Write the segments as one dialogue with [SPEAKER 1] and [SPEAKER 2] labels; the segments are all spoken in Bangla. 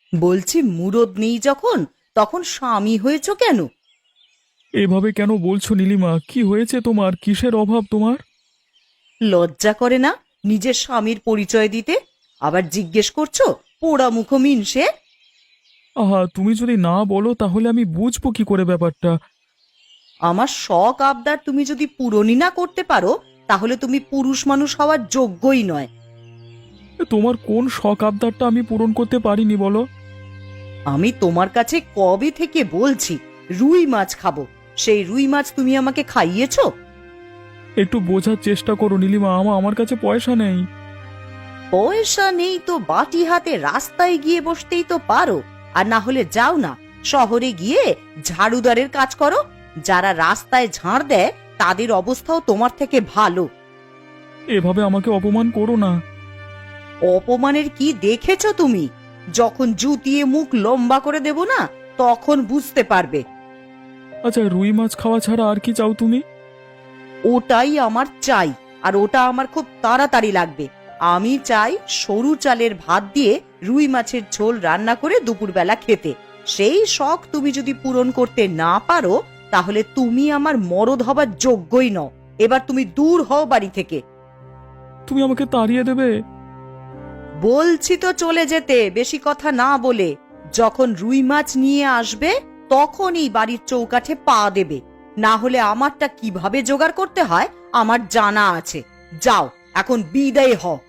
[SPEAKER 1] বলছি মুরদ নেই যখন, তখন স্বামী হয়েছ কেন?
[SPEAKER 2] এভাবে কেন বলছো নীলিমা? কি হয়েছে তোমার? কিসের অভাব তোমার?
[SPEAKER 1] লজ্জা করে না নিজের স্বামীর পরিচয় দিতে? আবার জিজ্ঞেস করছো পোড়া মুখ মিনসে?
[SPEAKER 2] আহা, তুমি যদি না বলো তাহলে আমি বুঝবো কি করে ব্যাপারটা?
[SPEAKER 1] আমার শখ আবদার তুমি যদি পূরণই না করতে পারো, তাহলে তুমি পুরুষ মানুষ হওয়ার যোগ্যই নয়।
[SPEAKER 2] তোমার কোন শখ আবদারটা আমি পূরণ করতে পারিনি বলো?
[SPEAKER 1] আমি তোমার কাছে কবে থেকে বলছি রুই মাছ খাবো, সেই রুই মাছ তুমি আমাকে খাইয়েছো?
[SPEAKER 2] একটু বোঝার চেষ্টা করো নীলিমা, আমার কাছে পয়সা নেই।
[SPEAKER 1] পয়সা নেই তো বাটি হাতে রাস্তায় গিয়ে বসতেই তো পারো। আর না হলে যাও না, শহরে গিয়ে ঝাড়ুদারের কাজ করো। যারা রাস্তায় ঝাড় দেয় তাদের অবস্থাও তোমার থেকে ভালো।
[SPEAKER 2] এভাবে আমাকে অপমান করো না।
[SPEAKER 1] অপমানের কি দেখেছো তুমি? যখন জুতিয়ে মুখ লম্বা করে দেব না, তখন বুঝতে পারবে।
[SPEAKER 2] আচ্ছা, রুই মাছ খাওয়া ছাড়া আর কি চাও তুমি?
[SPEAKER 1] ওটাই আমার চাই, আর ওটা আমার খুব তাড়াতাড়ি লাগবে। আমি চাই সরু চালের ভাত দিয়ে রুই মাছের ঝোল রান্না করে দুপুরবেলা খেতে। সেই শখ তুমি যদি পূরণ করতে না পারো, তাহলে তুমি আমার মরদ হবার যোগ্যই নও। এবার তুমি দূর হও বাড়ি থেকে।
[SPEAKER 2] তুমি আমাকে তাড়িয়ে দেবে?
[SPEAKER 1] বলছি তো চলে যেতে, বেশি কথা না বলে। যখন রুই মাছ নিয়ে আসবে তখনই বাড়ির চৌকাঠে পা দেবে। না হলে আমারটা কিভাবে জোগাড় করতে হয় আমার জানা আছে। যাও, এখন বিদায় হও।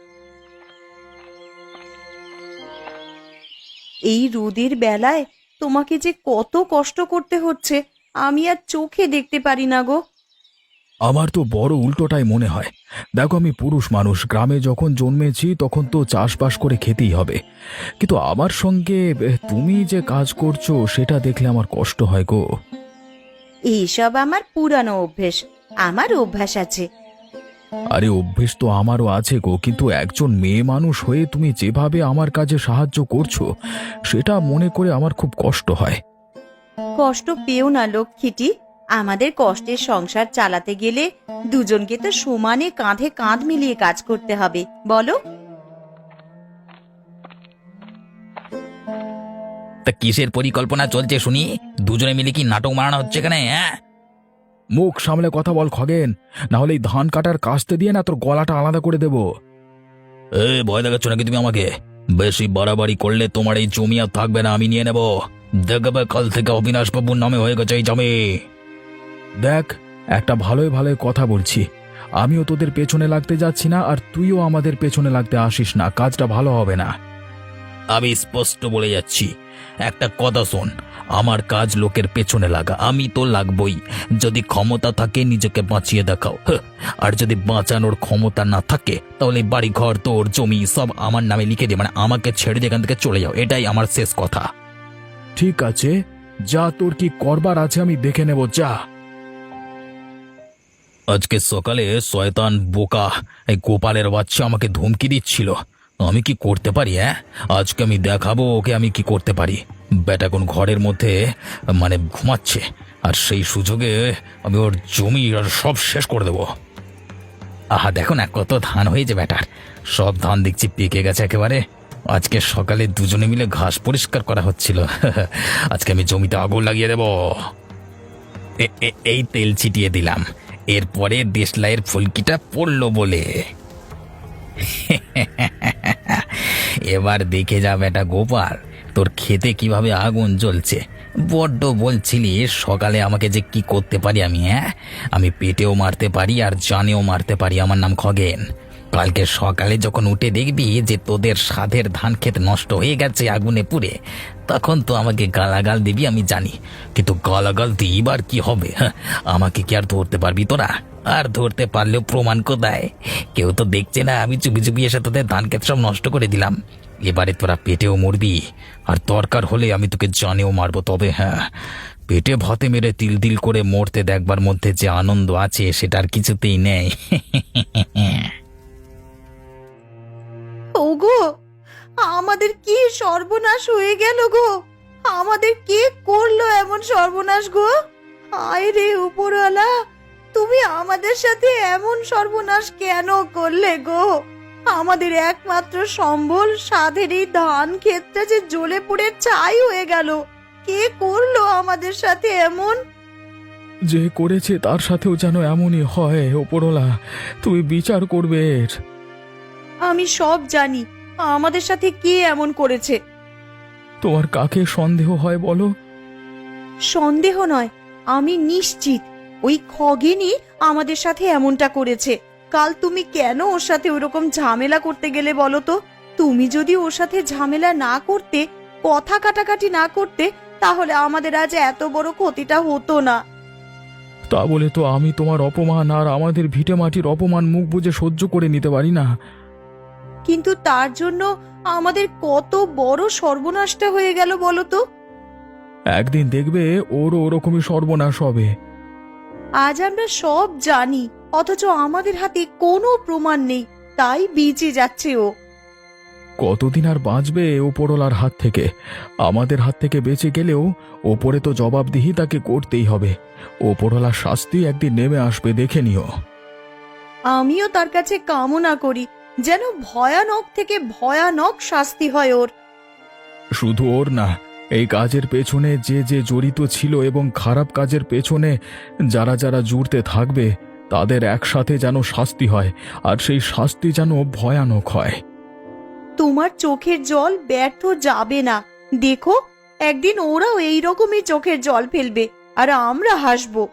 [SPEAKER 1] এই রোদের বেলায় তোমাকে যে কত কষ্ট করতে হচ্ছে, আমি আর চোখে দেখতে পারি না গো।
[SPEAKER 2] আমার তো বড় উল্টোটাই মনে হয়। দেখো, আমি পুরুষ মানুষ, গ্রামে যখন জন্মেছি তখন তো চাষবাস করে খেতেই হবে। কিন্তু আমার সঙ্গে তুমি যে কাজ করছো সেটা দেখলে আমার কষ্ট হয় গো।
[SPEAKER 1] এইসব আমার পুরানো অভ্যেস, আমার অভ্যাস আছে।
[SPEAKER 2] আরে, অভ্যেস তো আমারও আছে গো, কিন্তু একজন মেয়ে মানুষ হয়ে তুমি যেভাবে আমার কাজে সাহায্য করছো সেটা মনে করে আমার খুব কষ্ট হয়।
[SPEAKER 1] কষ্ট পেও না লক্ষ্মীটি। আমাদের কষ্টের সংসার চালাতে গেলে দুজনকে তো সমানে কাঁধে কাঁধ মিলিয়ে কাজ করতে হবে, বলো?
[SPEAKER 3] তা কিসের পরিকল্পনা চলছে শুনি? দুজনে মিলে কি নাটক মারানো হচ্ছে এখানে, হ্যাঁ?
[SPEAKER 2] মুখ সামলে কথা বল খগেন, না হলে এই ধান কাটার কাস্তে দিয়ে না তোর গলাটা আলাদা করে দেব।
[SPEAKER 3] ভয় দেখাচ্ছ নাকি তুমি আমাকে? বেশি বাড়াবাড়ি করলে তোমার এই জমি আর থাকবে না, আমি নিয়ে নেব। দেখবে কাল থেকে অবিনাশ বাবুর নামে হয়ে গেছে এই জমি।
[SPEAKER 2] দেখ, একটা ভালোই ভালোই কথা বলছি। আমিও তোদের পেছনে লাগতে যাচ্ছি না, আর তুইও আমাদের পেছনে লাগতে আসিস না, কাজটা ভালো হবে না।
[SPEAKER 3] আমি স্পষ্ট বলে যাচ্ছি, একটা কথা শোন, আমার কাজ লোকের পেছনে লাগা, আমি তো লাগবই। যদি ক্ষমতা থাকে নিজেকে বাঁচিয়ে দেখাও, আর যদি বাঁচানোর ক্ষমতা না থাকে তাহলে বাড়ি ঘর তোর জমি সব আমার নামে লিখে দে, মানে আমাকে ছেড়ে দিয়ে এখান থেকে চলে যাও, এটাই আমার শেষ কথা।
[SPEAKER 2] ঠিক আছে, যা, তোর কি করবার আছে আমি দেখে নেব, যা।
[SPEAKER 3] আজকে সকালে শয়তান বোকা এই গোপালের বাচ্চা আমাকে ধমকি দিচ্ছিল। আমি কি করতে পারি, হ্যাঁ? আজকে আমি দেখাবো ওকে আমি কি করতে পারি। বেটা কোন ঘরের মধ্যে মানে ঘুমাচ্ছে, আর সেই সুযোগে আমি ওর জমি আর সব শেষ করে দেবো। আহা, দেখো না কত ধান হয়েছে বেটার, সব ধান দেখছি পেকে গেছে একেবারে। আজকে সকালে দুজনে মিলে ঘাস পরিষ্কার করা হচ্ছিল। আজকে আমি জমিতে আগুন লাগিয়ে দেব। এই তেল ছিটিয়ে দিলাম, এরপরে দেশলাইয়ের ফুলকিটা পড়লো বলে। এবার দেখে যা বেটা গোপাল, তোর খেতে কিভাবে আগুন জ্বলছে। বড্ড বলছিলি সকালে আমাকে যে কি করতে পারি আমি, হ্যাঁ? আমি পেটেও মারতে পারি আর জানেও মারতে পারি, আমার নাম খগেন। কালকে সকালে যখন উঠে দেখবি যে তোদের সাধের ধান ক্ষেত নষ্ট হয়ে গেছে আগুনে পুড়ে, তখন তো আমাকে গালাগাল দিবি আমি জানি, কিন্তু গালাগাল দিবার কি হবে? হ্যাঁ, আমাকে কি আর ধরতে পারবি তোরা? আর ধরতে পারলেও প্রমাণ কোথায়? কেউ তো দেখছে না, আমি চুপি চুপি এসে তোদের ধান ক্ষেত সব নষ্ট করে দিলাম। এবারে তোরা পেটেও মরবি, আর দরকার হলে আমি তোকে জানেও মারবো। তবে হ্যাঁ, পেটে ভাতে মেরে তিল তিল করে মরতে দেখবার মধ্যে যে আনন্দ আছে সেটা আর কিছুতেই নেই।
[SPEAKER 1] ওগো, আমাদের কি সর্বনাশ হয়ে গেল গো! আমাদের কে করলো এমন সর্বনাশ গো? হায় রে উপরওয়ালা, তুমি আমাদের সাথে এমন সর্বনাশ কেন করলে গো? আমাদের একমাত্র সম্বল সাধের এই ধান ক্ষেতটা যে জ্বলে পুড়ে ছাই হয়ে গেল। কে করলো আমাদের সাথে এমন?
[SPEAKER 2] যে করেছে তার সাথেও যেন এমনই হয়, ওপরওয়ালা তুমি বিচার করবে এর।
[SPEAKER 1] আমি সব জানি আমাদের সাথে কে এমন করেছে।
[SPEAKER 2] তোমার কাকে সন্দেহ হয় বলো?
[SPEAKER 1] সন্দেহ নয়, আমি নিশ্চিত ওই খগেনই আমাদের সাথে এমনটা করেছে। কাল তুমি কেন ওর সাথে ওরকম ঝামেলা করতে গেলে বলো তো? তুমি যদি ওর সাথে ঝামেলা না করতে, কথা কাটাকাটি না করতে, তাহলে আমাদের আজ এত বড় ক্ষতিটা হতো না।
[SPEAKER 2] তা বলে তো আমি তোমার অপমান আর আমাদের ভিটে মাটির অপমান মুখ বুজে সহ্য করে নিতে পারি না।
[SPEAKER 1] কিন্তু তার জন্য আমাদের কত বড় সর্বনাশটা হয়ে গেল বলো তো?
[SPEAKER 2] একদিন দেখবে ওরও ওরকমই সর্বনাশ হবে।
[SPEAKER 1] আজ আমরা সব জানি, অথচ আমাদের হাতে কোনো প্রমাণ নেই, তাই বেঁচে যাচ্ছে ও।
[SPEAKER 2] কতদিন আর বাঁচবে ওপরওয়ালার হাত থেকে? আমাদের হাত থেকে বেঁচে গেলেও ওপরে তো জবাবদিহি তাকে করতেই হবে। ওপরওয়ালার শাস্তি একদিন নেমে আসবে, দেখে নিও।
[SPEAKER 1] আমিও তার কাছে কামনা করি যেন ভয়ানক থেকে ভয়ানক শাস্তি হয় ওর।
[SPEAKER 2] শুধু ওর না, এই কাজের পেছনে যে যে জড়িত ছিল এবং খারাপ কাজের পেছনে যারা যারা জুড়তে থাকবে, তাদের একসাথে যেন শাস্তি হয়, আর সেই শাস্তি যেন ভয়ানক হয়।
[SPEAKER 1] তোমার চোখের জল ব্যর্থ যাবে না। দেখো, একদিন ওরাও এইরকমই চোখের জল ফেলবে, আর আমরা হাসবো।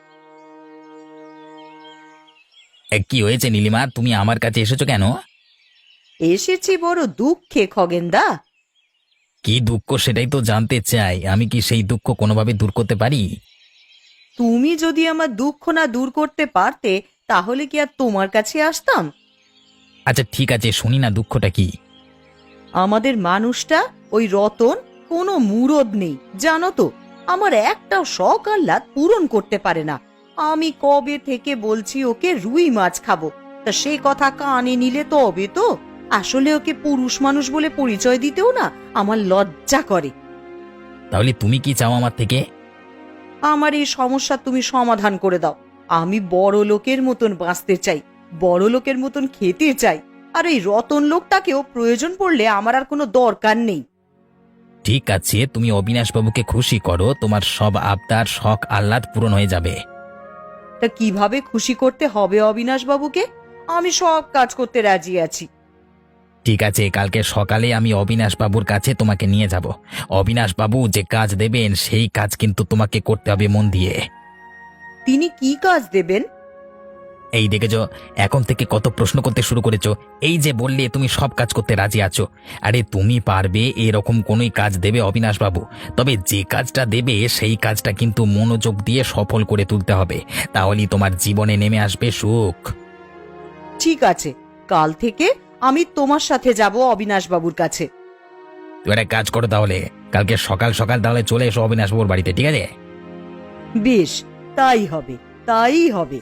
[SPEAKER 3] কি হয়েছে নীলিমা, তুমি আমার কাছে এসেছো কেন?
[SPEAKER 1] এসেছি বড় দুঃখে খগেনদা।
[SPEAKER 3] কি দুঃখ সেটাই তো জানতে চাই। আমি কি সেই দুঃখ কোনোভাবে দূর করতে পারি?
[SPEAKER 1] তুমি যদি আমার দুঃখ না দূর করতে পারতে, তাহলে কি আর তোমার কাছে আসতাম?
[SPEAKER 3] আচ্ছা ঠিক আছে, শুনি না দুঃখটা কি।
[SPEAKER 1] আমাদের মানুষটা ওই রতন কোনো মুরদ নেই, জানো তো। আমার একটাও শখ আহ্লাদ পূরণ করতে পারে না। আমি কবে থেকে বলছি ওকে রুই মাছ খাবো, তা সে কথা কানে নিলে তবে তো। আসলে ওকে পুরুষ মানুষ বলে পরিচয় দিতেও না আমার লজ্জা করে।
[SPEAKER 3] তাহলে তুমি কি চাও আমার থেকে?
[SPEAKER 1] আমার এই সমস্যা তুমি সমাধান করে দাও। আমি বড় লোকের মতন বাঁচতে চাই, বড় লোকের মতন খেতে চাই, আর এই রতন লোকটাকেও প্রয়োজন পড়লে আমার আর কোনো দরকার নেই।
[SPEAKER 3] ঠিক আছে, তুমি অবিনাশ বাবুকে খুশি করো, তোমার সব আবদার শখ আহ্লাদ পূরণ হয়ে যাবে।
[SPEAKER 1] তা কিভাবে খুশি করতে হবে অবিনাশ বাবুকে? আমি সব কাজ করতে রাজি আছি।
[SPEAKER 3] ঠিক আছে, কালকে সকালে আমি অবিনাশ বাবুর কাছে তোমাকে নিয়ে যাব। অবিনাশ বাবু যে কাজ দেবেন সেই কাজ কিন্তু তোমাকে করতে হবে মন দিয়ে।
[SPEAKER 1] তিনি কি কাজ দেবেন?
[SPEAKER 3] এই দেখেছো, এখন থেকে কত প্রশ্ন করতে শুরু করেছো। এই যে বললে তুমি সব কাজ করতে রাজি আছো, আরে তুমি পারবে এরকম কোনোই কাজ দেবে অবিনাশ বাবু। তবে যে কাজটা দেবে সেই কাজটা কিন্তু মনোযোগ দিয়ে সফল করে তুলতে হবে, তাহলেই তোমার জীবনে নেমে আসবে সুখ।
[SPEAKER 1] ঠিক আছে, কাল থেকে আমি তোমার সাথে যাব অবিনাশ বাবুর কাছে।
[SPEAKER 3] তুমি একটা কাজ করো তাহলে, কালকে সকাল সকাল তাহলে চলে এসো অবিনাশ বাবুর বাড়িতে, ঠিক আছে?
[SPEAKER 1] বেশ, তাই হবে, তাই হবে।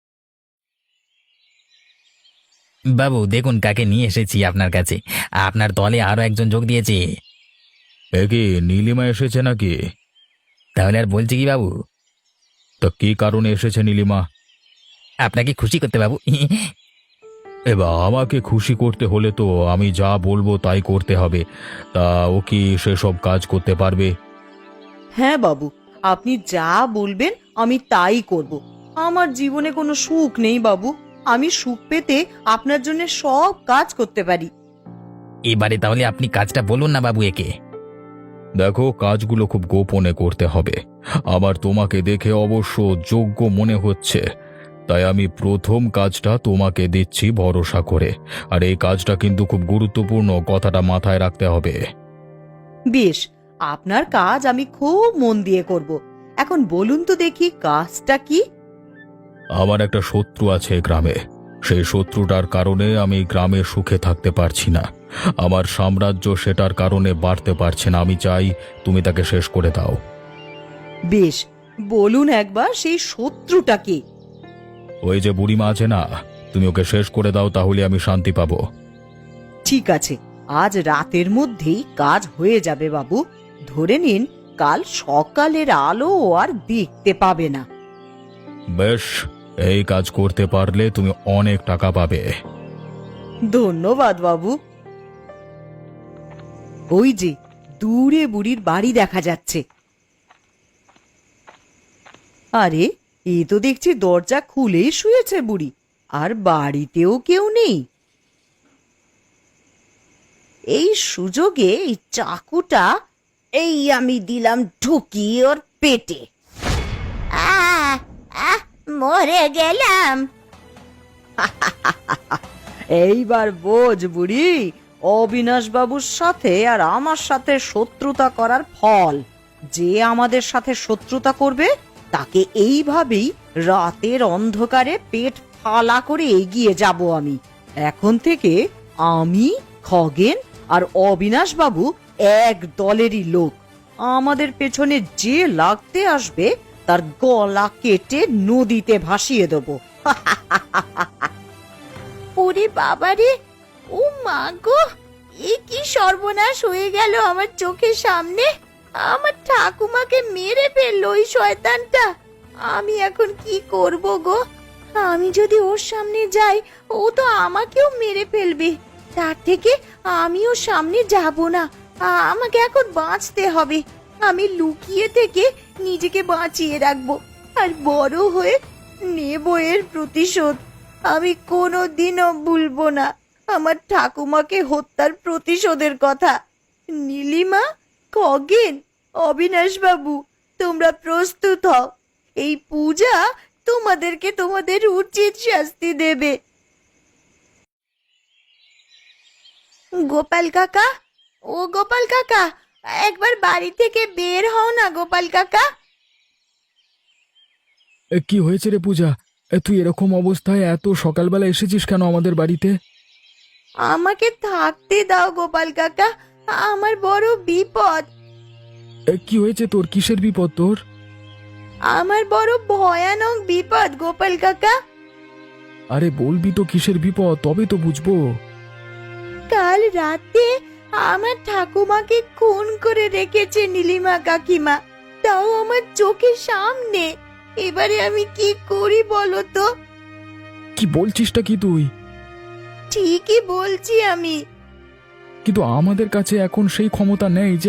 [SPEAKER 3] বাবু দেখুন কাকে নিয়ে এসেছি আপনার কাছে। আপনার দলে আরো একজন যোগ দিয়েছে।
[SPEAKER 2] এ কি নীলিমা এসেছে নাকি?
[SPEAKER 3] তাহলে আর বলছি কি বাবু?
[SPEAKER 2] তা কি কারণে এসেছে নীলিমা?
[SPEAKER 3] আপনাকে খুশি করতে বাবু।
[SPEAKER 2] এবার আমাকে খুশি করতে হলে তো আমি যা বলবো তাই করতে হবে। তা ও কি সেসব কাজ করতে পারবে?
[SPEAKER 1] হ্যাঁ বাবু, আপনি যা বলবেন আমি তাই করব। আমার জীবনে কোনো সুখ নেই বাবু, আমি সুখ পেতে আপনার জন্য সব কাজ করতে পারি।
[SPEAKER 3] এবারে তাহলে আপনি কাজটা বলুন না বাবু একে।
[SPEAKER 2] দেখো, কাজগুলো খুব গোপনে করতে হবে। আমার তোমাকে দেখে অবশ্য যোগ্য মনে হচ্ছে, তাই আমি প্রথম কাজটা তোমাকে দিচ্ছি ভরসা করে। আর এই কাজটা কিন্তু খুব গুরুত্বপূর্ণ, কথাটা মাথায় রাখতে হবে।
[SPEAKER 1] বেশ, আপনার কাজ আমি খুব মন দিয়ে করব। এখন বলুন তো দেখি কাজটা কি?
[SPEAKER 2] আমার একটা শত্রু আছে এই গ্রামে। সেই শত্রুটার কারণে আমি গ্রামে সুখে থাকতে পারছি না। আমার সাম্রাজ্য সেটার কারণে বাড়তে পারছে না। আমি চাই তুমি তাকে শেষ করে দাও।
[SPEAKER 1] বেশ, বলুন একবার সেই শত্রুটা কি?
[SPEAKER 2] ওই যে বুড়িমা আছে না, তুমি ওকে শেষ করে দাও, তাহলে আমি শান্তি পাবো।
[SPEAKER 1] ঠিক আছে, আজ রাতের মধ্যেই কাজ হয়ে যাবে বাবু। ধরে নিন কাল সকালের আলো আর দেখতে পাবে না।
[SPEAKER 2] বেশ, এই কাজ করতে পারলে তুমি অনেক টাকা পাবে।
[SPEAKER 1] ধন্যবাদ বাবু। ওই যে দূরে বুড়ির বাড়ি দেখা যাচ্ছে। আরে এ তো দেখছি দরজা খুলেই শুয়েছে বুড়ি, আর বাড়িতেও কেউ নেই। এই সুযোগে এই চাকুটা এই আমি দিলাম ঢুকিয়ে ওর পেটে। মরে গেলাম। এইবার বোঝ বুড়ি, অবিনাশ বাবুর সাথে আর আমার সাথে শত্রুতা করার ফল। যে আমাদের সাথে শত্রুতা করবে তাকে এইভাবেই রাতের অন্ধকারে পেট ফালা করে এগিয়ে যাব আমি। এখন থেকে আমি, খগেন আর অবিনাশ বাবু এক দলেরই লোক। আমাদের পেছনে যে লাগতে আসবে তার গলা কেটে নদীতে ভাসিয়ে দেবো। ওরে বাবারে, ও মা গো, এ কি সর্বনাশ হয়ে গেল আমার চোখের সামনে। আমার ঠাকুমাকে মেরে ফেললো ওই শয়তানটা। আমি এখন কি করব গো? আমি যদি ওর সামনে যাই ও তো আমাকেও মেরে ফেলবে। তার থেকে আমি ওর সামনে যাব না। আমাকে এখন বাঁচতে হবে। আমি লুকিয়ে থেকে নিজেকে বাঁচিয়ে রাখবো, আর বড় হয়ে নেব এর প্রতিশোধ। আমি কোনোদিনও ভুলবো না আমার ঠাকুমাকে হত্যার প্রতিশোধের কথা। নীলিমা, খগেন, অবিনাশ বাবু, তোমরা প্রস্তুত হও। এই পূজা তোমাদেরকে তোমাদের উচিত শাস্তি দেবে। গোপাল কাকা, ও গোপাল কাকা, একবার বাড়ি থেকে বের হও না গোপাল কাকা।
[SPEAKER 2] কি হয়েছে রে পূজা? তুই এরকম অবস্থায় এত সকালবেলা এসেছিস কেন আমাদের বাড়িতে?
[SPEAKER 1] আমাকে থাকতে দাও গোপাল কাকা, আমার বড় বিপদ।
[SPEAKER 2] কি হয়েছে তোর? কিসের বিপদ তোর?
[SPEAKER 1] আমার বড় ভয়ানক বিপদ গোপাল কাকা।
[SPEAKER 2] আরে বলবি তো কিসের বিপদ, তবে তো বুঝবো।
[SPEAKER 1] কাল রাতে আমার ঠাকুমাকে খুন করে রেখেছে নীলিমা কাকিমা, তাও আমার চোখের সামনে। এবারে আমি কি করি বলো তো?
[SPEAKER 2] কি বলছিসটা কি তুই?
[SPEAKER 1] ঠিকই বলছি আমি।
[SPEAKER 2] কিন্তু আমাদের কাছে এখন সেই ক্ষমতা নেই যে